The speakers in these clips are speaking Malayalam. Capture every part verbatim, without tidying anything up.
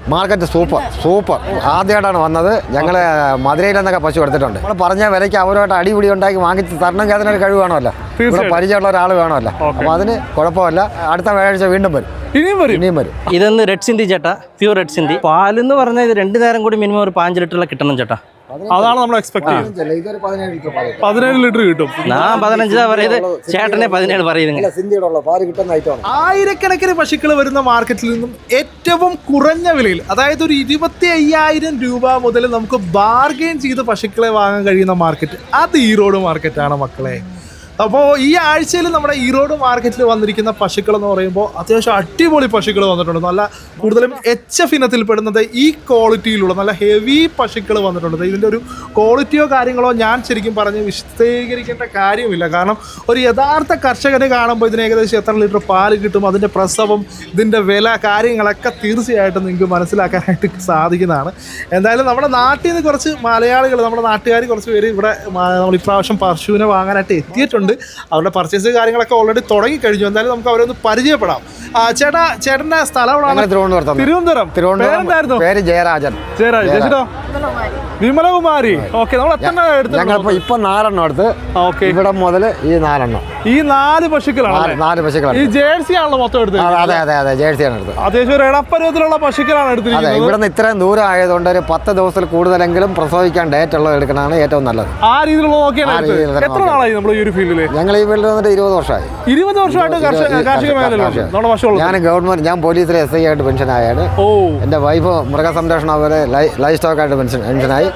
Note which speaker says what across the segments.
Speaker 1: മാർക്കറ്റ് സൂപ്പർ സൂപ്പർ ആദ്യമായിട്ടാണ് വന്നത്. ഞങ്ങൾ മധുരയിൽ നിന്നൊക്കെ പശു എടുത്തിട്ടുണ്ട്. നമ്മൾ പറഞ്ഞ വിലയ്ക്ക് അവരുമായിട്ട് അടിപിടി ഉണ്ടാക്കി വാങ്ങിച്ച് തരണമെങ്കിൽ അതിനൊരു കഴിവ് വേണമല്ലോ, ഇവിടെ പരിചയമുള്ള ഒരാൾ വേണമല്ലോ. അപ്പോൾ അതിന് കുഴപ്പമില്ല. അടുത്ത വ്യാഴാഴ്ച വീണ്ടും വരും, ഇനിയും വരും ഇനിയും വരും.
Speaker 2: ഇതൊന്ന് റെഡ് സിന്ധി ചേട്ടാ, പ്യൂർ റെഡ് സിന്ധി. പാലെന്ന് പറഞ്ഞാൽ ഇത് രണ്ടു നേരം കൂടി മിനിമം ഒരു പാഞ്ച് ലിറ്ററിലെ കിട്ടണം ചേട്ടാ.
Speaker 3: അതാണ് നമ്മൾ എക്സ്പെക്ട് ചെയ്യുന്നത്. പതിനേഴ് ലിറ്റർ കിട്ടും.
Speaker 2: ഞാൻ പതിനഞ്ചാ പറയുന്നത്, ചേട്ടനെ പതിനേഴ് പറയുന്നത്.
Speaker 3: ആയിരക്കണക്കിന് പശുക്കൾ വരുന്ന മാർക്കറ്റിൽ നിന്നും ഏറ്റവും കുറഞ്ഞ വിലയിൽ, അതായത് ഒരു ഇരുപത്തി അയ്യായിരം രൂപ മുതൽ നമുക്ക് ബാർഗെയിൻ ചെയ്ത് പശുക്കളെ വാങ്ങാൻ കഴിയുന്ന മാർക്കറ്റ്, അത് ഈറോഡ് മാർക്കറ്റാണ് മക്കളെ. അപ്പോൾ ഈ ആഴ്ചയിൽ നമ്മുടെ ഈറോഡ് മാർക്കറ്റിൽ വന്നിരിക്കുന്ന പശുക്കൾ എന്ന് പറയുമ്പോൾ അത്യാവശ്യം അടിപൊളി പശുക്കൾ വന്നിട്ടുണ്ട്. നല്ല കൂടുതലും എച്ച് എഫ് ഇനത്തിൽ പെടുന്നത് ഈ ക്വാളിറ്റിയിലുള്ള നല്ല ഹെവി പശുക്കൾ വന്നിട്ടുണ്ട്. ഇതിൻ്റെ ഒരു ക്വാളിറ്റിയോ കാര്യങ്ങളോ ഞാൻ ശരിക്കും പറഞ്ഞ് വിശദീകരിക്കേണ്ട കാര്യമില്ല. കാരണം ഒരു യഥാർത്ഥ കർഷകനെ കാണുമ്പോൾ ഇതിന് ഏകദേശം എത്ര ലിറ്റർ പാല് കിട്ടും, അതിൻ്റെ പ്രസവം, ഇതിൻ്റെ വില, കാര്യങ്ങളൊക്കെ തീർച്ചയായിട്ടും നിങ്ങൾക്ക് മനസ്സിലാക്കാനായിട്ട് സാധിക്കുന്നതാണ്. എന്തായാലും നമ്മുടെ നാട്ടിൽ നിന്ന് കുറച്ച് മലയാളികൾ, നമ്മുടെ നാട്ടുകാർ കുറച്ച് പേര് ഇവിടെ നമ്മൾ ഇപ്രാവശ്യം പശുവിനെ വാങ്ങാനായിട്ട് എത്തിയിട്ടുണ്ട്. അവരുടെ പർച്ചേസ് കാര്യങ്ങളൊക്കെ ഓൾറെഡി തുടങ്ങിക്കഴിഞ്ഞു. എന്തായാലും നമുക്ക് അവരൊന്ന് പരിചയപ്പെടാം. ചേട്ടാ, ചേട്ടന്റെ സ്ഥലം എവിടെയാണ്?
Speaker 1: തിരുവനന്തപുരം.
Speaker 3: തിരുവനന്തപുരം.
Speaker 1: തിരുവനന്തപുരം. പേര് ജയരാജൻ.
Speaker 3: ജയരാജൻ. ചേച്ചിട്ടോ? വിമലകുമാരി. ഓക്കെ. നമ്മൾ എത്ര എടുത്തു?
Speaker 1: ഇപ്പൊ നാലെണ്ണം എടുത്ത്.
Speaker 3: ഓക്കെ.
Speaker 1: ഇവിടെ മുതൽ ഈ നാലെണ്ണം,
Speaker 3: ഈ നാല് പശുക്കളാണ്.
Speaker 1: നാല് പശുക്കളാണ്.
Speaker 3: ഈ ജേഴ്സി ആണല്ലോ മൊത്തം എടുത്തത്?
Speaker 1: അതെ അതെ അതെ, ജേഴ്സിയാണ് എടുത്തത്.
Speaker 3: അത്യാവശ്യം ഒരു ഇടപ്പരുവത്തിലുള്ള പശുക്കളാണ് എടുത്തിരിക്കുന്നത്.
Speaker 1: ഇവിടെ നിന്ന് ഇത്രയും ദൂരം ആയതുകൊണ്ട് ഒരു പത്ത് ദിവസത്തിൽ കൂടുതലെങ്കിലും പ്രസവിക്കാൻ ഡേറ്റ് ഉള്ളത് എടുക്കണതാണ് ഏറ്റവും നല്ലത്.
Speaker 3: ആ രീതിയിലുള്ള നോക്കിയാണ്. എത്ര നാളായി നമ്മൾ ഈ ഒരു ഫീൽഡിൽ?
Speaker 1: ഞങ്ങൾ ഈ ഫീൽഡിൽ വന്നിട്ട് ഇരുപത് വർഷമായി.
Speaker 3: ഇരുപത് വർഷമായിട്ട് കാർഷിക മേഖലയിലാണ് നമ്മുടെ പശു.
Speaker 1: ഞാൻ ഗവൺമെന്റ്, ഞാൻ പോലീസിൽ എസ് ഐ ആയിട്ട് പെൻഷൻ ആയാണ്.
Speaker 3: ഓ.
Speaker 1: എന്റെ വൈഫ് മൃഗസംരക്ഷണം പോലെ ലൈഫ് സ്റ്റോക്ക് ആയിട്ട് പെൻഷൻ പെൻഷനായി.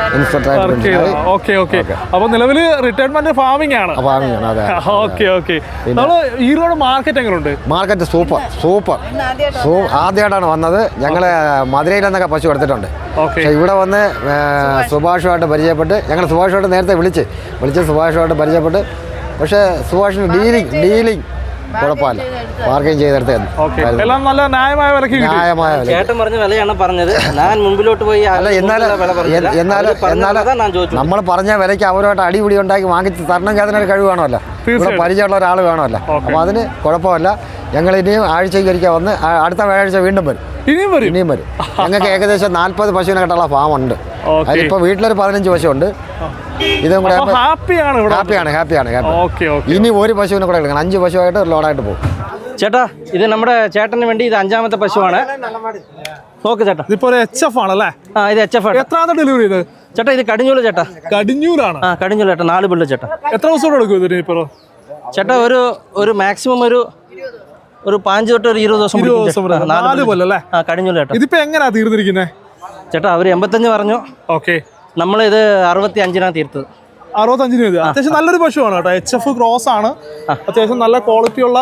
Speaker 3: Okay okay. അപ്പൊ നിലവില് റിട്ടയർമെന്റ് ഫാമിംഗ് ആണ്.
Speaker 1: ഫാമിംഗ് ആണ്. അതെ.
Speaker 3: Okay okay. നമ്മള് ഈറോഡ് മാർക്കറ്റ് എങ്ങനെയുണ്ട്?
Speaker 1: മാർക്കറ്റ് സൂപ്പർ സൂപ്പർ ആദ്യമായിട്ടാണ് വന്നത്. ഞങ്ങൾ മധുരയിൽ നിന്നൊക്കെ പശു എടുത്തിട്ടുണ്ട്. പക്ഷേ ഇവിടെ വന്ന് സുഭാഷുമായിട്ട് പരിചയപ്പെട്ട്, ഞങ്ങൾ സുഭാഷുമായിട്ട് നേരത്തെ വിളിച്ച് വിളിച്ച് സുഭാഷുമായിട്ട് പരിചയപ്പെട്ട്, പക്ഷേ സുഭാഷിന് ഡീലിംഗ് ഡീലിംഗ് കുഴപ്പമില്ല, മാർക്കറ്റിംഗ് ചെയ്തെടുത്ത്
Speaker 3: ന്യായമായ വില.
Speaker 2: ചേട്ടൻ പറഞ്ഞ വിലയാണ് പറഞ്ഞത്. ഞാൻ മുമ്പിലോട്ട് പോയി
Speaker 1: അല്ല, എന്നാലും എന്നാലും എന്നാലും നമ്മൾ പറഞ്ഞ വിലയ്ക്ക് അവരുമായിട്ട് അടിപിടി ഉണ്ടാക്കി വാങ്ങിച്ച് തരണമെങ്കിൽ അതിനൊരു കഴിവ് വേണമല്ലോ, ഇവിടെ പരിചയമുള്ള ഒരാൾ വേണമല്ലോ. അപ്പോൾ അതിന് കുഴപ്പമില്ല. ഞങ്ങൾ ഇനിയും ആഴ്ചയ്ക്ക് ഒരിക്കൽ വന്ന് അടുത്ത വ്യാഴാഴ്ച വീണ്ടും വരും, ഇനിയും വരും ഇനിയും വരും. ഞങ്ങൾക്ക് ഏകദേശം നാൽപ്പത് പശുവിനെ കെട്ടുള്ള ഫാം ഉണ്ട്. അതിലിപ്പോൾ വീട്ടിലൊരു പതിനഞ്ച് പശു ഉണ്ട്. ഇതും കൂടെ ഹാപ്പിയാണ് ഹാപ്പിയാണ് ഹാപ്പിയാണ് ഇനി ഒരു പശുവിനെ കൂടെ എടുക്കണം. അഞ്ച് പശുവായിട്ട് ഒരു ലോഡായിട്ട് പോകും.
Speaker 2: ചേട്ടാ, ഇത് നമ്മുടെ ചേട്ടന് വേണ്ടി ഇത് അഞ്ചാമത്തെ പശുവാണ്. നോക്ക് ചേട്ടാ,
Speaker 3: ഇതിപ്പോ എച്ച് എഫ് ആണല്ലേ?
Speaker 2: ആ, ഇത് എച്ച് എഫ് ആണ്.
Speaker 3: എത്രാമത്തെ ഡെലിവറി ഇത്?
Speaker 2: ചേട്ടാ, ഇത് കടിഞ്ഞൂല് ചേട്ടാ.
Speaker 3: കടിഞ്ഞൂലാണ്?
Speaker 2: ആ, കടിഞ്ഞൂല് ചേട്ടാ. നാല് പിള്ളു ചേട്ടാ.
Speaker 3: എത്ര ദിവസം എടുക്കും ഇതിന് ഇപ്പൊ
Speaker 2: ചേട്ടാ? ഒരു ഒരു മാക്സിമം ഒരു ഒരു പാഞ്ച് തൊട്ട് ഒരു ഇരുപത് ദിവസം.
Speaker 3: നാല് കൊല്ലല്ലേ?
Speaker 2: ആ, കടിഞ്ഞൂല് ചേട്ടാ.
Speaker 3: ഇതിപ്പോ എങ്ങനെയാ തീർന്നിരിക്കുന്നത്
Speaker 2: ചേട്ടാ? അവര് എൺപത്തഞ്ച് പറഞ്ഞു.
Speaker 3: ഓക്കെ.
Speaker 2: നമ്മളിത് അറുപത്തി അഞ്ചിനാണ് തീർത്തത്.
Speaker 3: അറുപത്തഞ്ചിന് മതി. അത്യാവശ്യം നല്ലൊരു പശുവാണ് കേട്ടോ. എച്ച് എഫ് ക്രോസ് ആണ്. അത്യാവശ്യം നല്ല ക്വാളിറ്റി ഉള്ള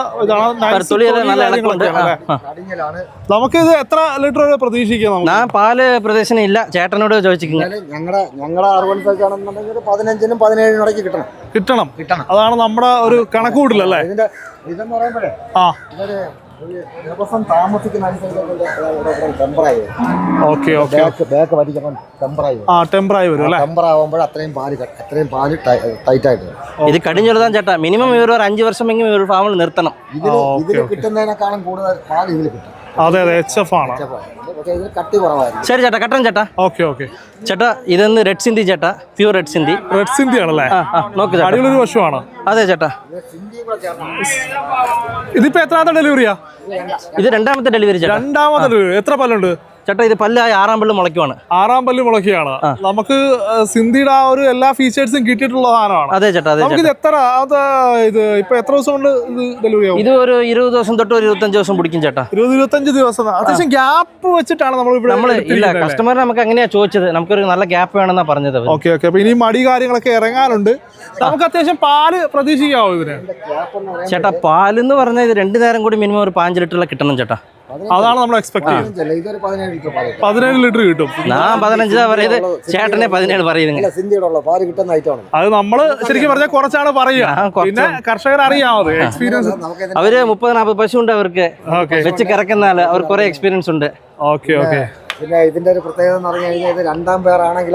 Speaker 3: നമുക്ക് ഇത് എത്ര ലിറ്റർ പ്രതീക്ഷിക്കാം?
Speaker 2: ഞാൻ പാല് പ്രദേശനം ഇല്ല, ചേട്ടനോട് ചോദിച്ചിരിക്കുന്നത്.
Speaker 1: ഞങ്ങളുടെ ഞങ്ങളുടെ പതിനഞ്ചിനും പതിനേഴിനും ഇടയ്ക്ക് കിട്ടണം
Speaker 3: കിട്ടണം കിട്ടണം അതാണ് നമ്മുടെ ഒരു കണക്കുകൂട്ടിലല്ലേ?
Speaker 1: ഇതിന്റെ ഇതെന്ന് പറയുമ്പോഴേ
Speaker 3: ആ
Speaker 1: ദിവസം താമസിക്കുന്ന
Speaker 3: ഓക്കെ ഓക്കെ ആ ടെമ്പറായി വരും അല്ലേ?
Speaker 1: ടെമ്പറാകുമ്പോൾ അത്രയും പാല് അത്രയും പാല് ടൈറ്റ് ആയിട്ട്.
Speaker 2: ഇത് കടിഞ്ഞുള്ളതാണ് ചേട്ടാ. മിനിമം ഇവർ ഒരു അഞ്ച് വർഷമെങ്കിലും ഇവർ ഫാമിൽ നിർത്തണം.
Speaker 1: ഇതിൽ ഇതിൽ കിട്ടുന്നതിനേക്കാളും കൂടുതൽ പാല് ഇതിൽ കിട്ടും.
Speaker 3: അതെ അതെ, എച്ച് എഫ് ആണ്.
Speaker 1: കട്ടി കുറവായിരുന്നു.
Speaker 2: ശരി ചേട്ടാ, കട്ടൻ ചേട്ടാ.
Speaker 3: ഓക്കെ ഓക്കെ
Speaker 2: ചേട്ടാ, ഇതൊന്ന് റെഡ് സിന്ധി ചേട്ടാ, pure red Sindhi.
Speaker 3: Red Sindhi ആണല്ലേ?
Speaker 2: നോക്ക്,
Speaker 3: അടിപൊളി പശുവാണ്.
Speaker 2: അതെ ചേട്ടാ.
Speaker 3: ഇതിപ്പോ എത്രാമത്തെ ഡെലിവറിയാ?
Speaker 2: ഇത് രണ്ടാമത്തെ ഡെലിവറി ചേട്ടാ.
Speaker 3: രണ്ടാമത്തെ ഡെലിവറി. എത്ര പല്ലുണ്ട്
Speaker 2: ചേട്ടാ? ഇത് പല്ലായി ആറാം പല്ല് മുളയ്ക്കുവാണ്.
Speaker 3: ആറാം പല്ല് മുളയ്ക്കുകയാണ്. നമുക്ക് സിന്ധിയുടെ ആ ഒരു എല്ലാ ഫീച്ചേഴ്സും കിട്ടിയിട്ടുള്ള സാധനമാണ്.
Speaker 2: അതെ ചേട്ടാ. അതെ.
Speaker 3: ഇത് എത്ര ഇത് ഇപ്പൊ എത്ര ദിവസം കൊണ്ട് ഇത് ഡെലിവറി ആവും?
Speaker 2: ഇത് ഒരു ഇരുപത് ദിവസം തൊട്ട് ഒരു ഇരുപത്തഞ്ച് ദിവസം പിടിക്കും ചേട്ടാ.
Speaker 3: ഇരുപത് ഇരുപത്തഞ്ച് ദിവസം. അത്യാവശ്യം ഗ്യാപ്പ് വെച്ചിട്ടാണ് നമ്മൾ ഇവിടെ. നമ്മൾ
Speaker 2: ഇല്ല, കസ്റ്റമർ നമുക്ക് എങ്ങനെയാ ചോദിച്ചത്, നമുക്കൊരു നല്ല ഗ്യാപ്പ് വേണമെന്നാ പറഞ്ഞത്.
Speaker 3: Okay okay. അപ്പൊ ഇനി മടി കാര്യങ്ങളൊക്കെ ഇറങ്ങാനുണ്ട്. നമുക്ക് അത്യാവശ്യം പാല് പ്രതീക്ഷിക്കാവോ ഇതിന്?
Speaker 2: ചേട്ടാ, പാലെന്ന് പറഞ്ഞാൽ ഇത് രണ്ടു നേരം കൂടി മിനിമം ഒരു പാഞ്ച് ലിറ്ററിലെ കിട്ടണം ചേട്ടാ.
Speaker 3: അതാണ് നമ്മൾ എക്സ്പെക്ട് ചെയ്യുന്നത്. പതിനേഴ് ലിറ്റർ കിട്ടും.
Speaker 2: ഞാൻ പതിനഞ്ചാ പറയുന്നത്, ചേട്ടനെ പതിനേഴ് പറയുന്നത്.
Speaker 3: അത് നമ്മള് ശരിക്കും പറഞ്ഞാൽ കുറച്ചാണ് പറയുക. പിന്നെ കർഷകർ അറിയാമത് എക്സ്പീരിയൻസ്.
Speaker 2: അവര് മുപ്പത് നാൽപ്പത് പശു ഉണ്ട് അവർക്ക് വെച്ച് കിറക്കുന്ന ആള്. അവർക്ക് കുറെ എക്സ്പീരിയൻസ് ഉണ്ട്.
Speaker 3: Okay okay.
Speaker 1: പിന്നെ ഇതിന്റെ ഒരു പ്രത്യേകത എന്ന് പറഞ്ഞു കഴിഞ്ഞാൽ ഇത് രണ്ടാം പേരാണെങ്കിലും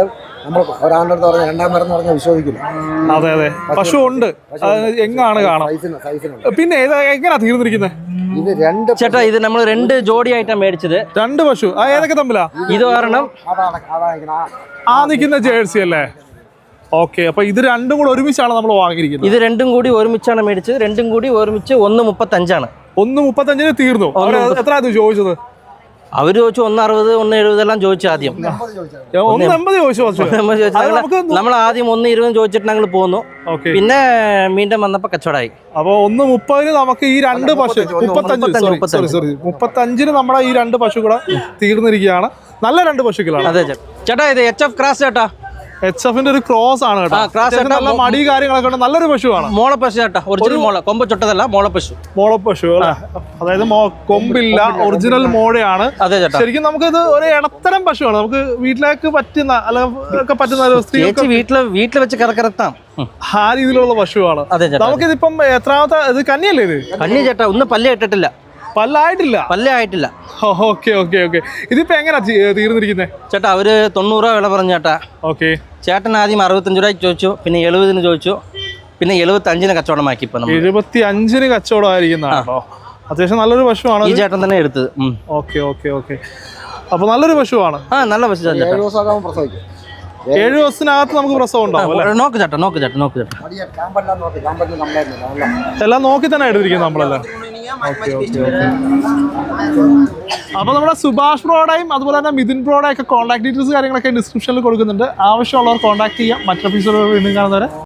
Speaker 1: നമ്മൾ ഒരാളുടെ അടുത്ത് പറഞ്ഞ രണ്ടാം പേരെന്ന് പറഞ്ഞാൽ വിശ്വസിക്കില്ല.
Speaker 3: അതെ അതെ പശു ഉണ്ട്, എങ്ങാണ് കാണാം.
Speaker 1: സൈസിന് സൈസിനുണ്ട്.
Speaker 3: പിന്നെ ഇത് എങ്ങനെയാ തീർന്നിരിക്കുന്നത്?
Speaker 1: ഇത് രണ്ട്
Speaker 2: ചേട്ടാ ഇത് നമ്മൾ രണ്ട് ജോഡിയായിട്ടാണ് മേടിച്ചത്.
Speaker 3: രണ്ട് പശു ആ ഏതൊക്കെ തമ്മിലാ?
Speaker 2: ഇത് കാരണം
Speaker 1: അതാണ് അതാ
Speaker 3: ആ നിൽക്കുന്ന ജേഴ്സി അല്ലേ? ഓക്കെ, അപ്പൊ ഇത് രണ്ടും കൂടെ ഒരുമിച്ചാണ് നമ്മൾ വാങ്ങിയിരിക്കുന്നത്.
Speaker 2: ഇത് രണ്ടും കൂടി ഒരുമിച്ചാണ് മേടിച്ചത്. രണ്ടും കൂടി ഒരുമിച്ച് ഒന്ന് മുപ്പത്തഞ്ചാണ്.
Speaker 3: ഒന്ന് മുപ്പത്തഞ്ചിന് തീർന്നു. എത്ര ചോദിച്ചത്?
Speaker 2: അവര് ചോദിച്ചു ഒന്ന് അറുപത് ഒന്ന് എഴുപതെല്ലാം ചോദിച്ചു ആദ്യം.
Speaker 3: ഒന്ന് എൺപത് ചോദിച്ചു.
Speaker 2: നമ്മൾ ആദ്യം ഒന്ന് ഇരുപതും ചോദിച്ചിട്ട് ഞങ്ങൾ പോന്നു. പിന്നെ വീണ്ടും വന്നപ്പോ കച്ചവടമായി.
Speaker 3: അപ്പൊ ഒന്ന് മുപ്പതിന് നമുക്ക് ഈ രണ്ട് പശു മുപ്പത്തഞ്ച് സോറി സോറി മുപ്പത്തഞ്ചിന് നമ്മുടെ ഈ രണ്ട് പശു കൂടെ തീർന്നിരിക്കുകയാണ്. നല്ല രണ്ട് പശുക്കളാണ്.
Speaker 2: അതെ ചേട്ടാ, ഇത് എച്ച് എഫ് ക്രാസ് ചേട്ടാ.
Speaker 3: എച്ച് എഫിന്റെ ഒരു ക്രോസ് ആണ് കേട്ടോ. നല്ല മടി കാര്യങ്ങളൊക്കെ ഉണ്ട്. നല്ലൊരു പശുവാണ്.
Speaker 2: മോളപ്പശു ചേട്ടാ, ഒറിജിനൽ മോള, കൊമ്പ് ചൊട്ടതല്ല, മോളപ്പശു.
Speaker 3: മോളപ്പശു അല്ലേ? അതായത് കൊമ്പില്ല, ഒറിജിനൽ മോഴയാണ്.
Speaker 2: അതെ ചേട്ടാ,
Speaker 3: ശരിക്കും നമുക്കിത് ഒരു ഇടത്തരം പശുവാണ്. നമുക്ക് വീട്ടിലേക്ക് പറ്റുന്ന അല്ലെങ്കിൽ പറ്റുന്ന സ്ത്രീകൾക്ക്
Speaker 2: വീട്ടില് വീട്ടിൽ വെച്ച് കറക്കറത്താം
Speaker 3: ആ രീതിയിലുള്ള പശുവാണ്. നമുക്കിതിപ്പം എത്രാമത്തെ ഇത് കന്നിയല്ലേ? ഇത്
Speaker 2: കന്നി ചേട്ടാ, ഒന്ന് പല്ല് ഇട്ടിട്ടില്ല.
Speaker 3: പല്ലായിട്ടില്ല?
Speaker 2: പല്ലേ ആയിട്ടില്ല.
Speaker 3: Okay okay okay. ഇതിപ്പോ എങ്ങനെയാ തീർന്നിരിക്കുന്നത്
Speaker 2: ചേട്ടാ? അവര് തൊണ്ണൂറ് രൂപ വില പറഞ്ഞു ചേട്ടാ.
Speaker 3: ഓക്കെ.
Speaker 2: ചേട്ടൻ ആദ്യം അറുപത്തഞ്ച് രൂപയ്ക്ക് ചോദിച്ചു, പിന്നെ എഴുപതിന് ചോദിച്ചു, പിന്നെ എഴുപത്തി അഞ്ചിന് കച്ചവടമാക്കി. ഇപ്പൊ
Speaker 3: എഴുപത്തി അഞ്ചിന് കച്ചവടം ആയിരിക്കുന്നതാണോ? അത്യാവശ്യം നല്ലൊരു പശുവാണ്.
Speaker 2: ഈ ചേട്ടൻ തന്നെ എടുത്തത്.
Speaker 3: Okay okay okay. അപ്പൊ നല്ലൊരു പശുവാണ്.
Speaker 2: ആ നല്ല പശു.
Speaker 3: ഏഴു ദിവസത്തിനകത്ത് നമുക്ക് പ്രസവം ഉണ്ടാവും.
Speaker 2: നോക്ക് ചേട്ടാ, നോക്ക് ചേട്ടാ, നോക്ക് ചേട്ടാ.
Speaker 3: എല്ലാം നോക്കി തന്നെ എടുത്തിരിക്കുന്നത് നമ്മളെല്ലാം. അപ്പൊ നമ്മുടെ സുഭാഷ് ബ്രോയുടെയും അതുപോലെ തന്നെ മിഥുൻ ബ്രോയുടെ ഒക്കെ കോൺടാക്ട് ഡീറ്റെയിൽസ് കാര്യങ്ങളൊക്കെ ഡിസ്ക്രിപ്ഷനിൽ കൊടുക്കുന്നുണ്ട്. ആവശ്യമുള്ളവർ കോൺടാക്ട് ചെയ്യാം. മറ്റൊരു എപ്പിസോഡ് വീണ്ടും കാണുന്നവരെ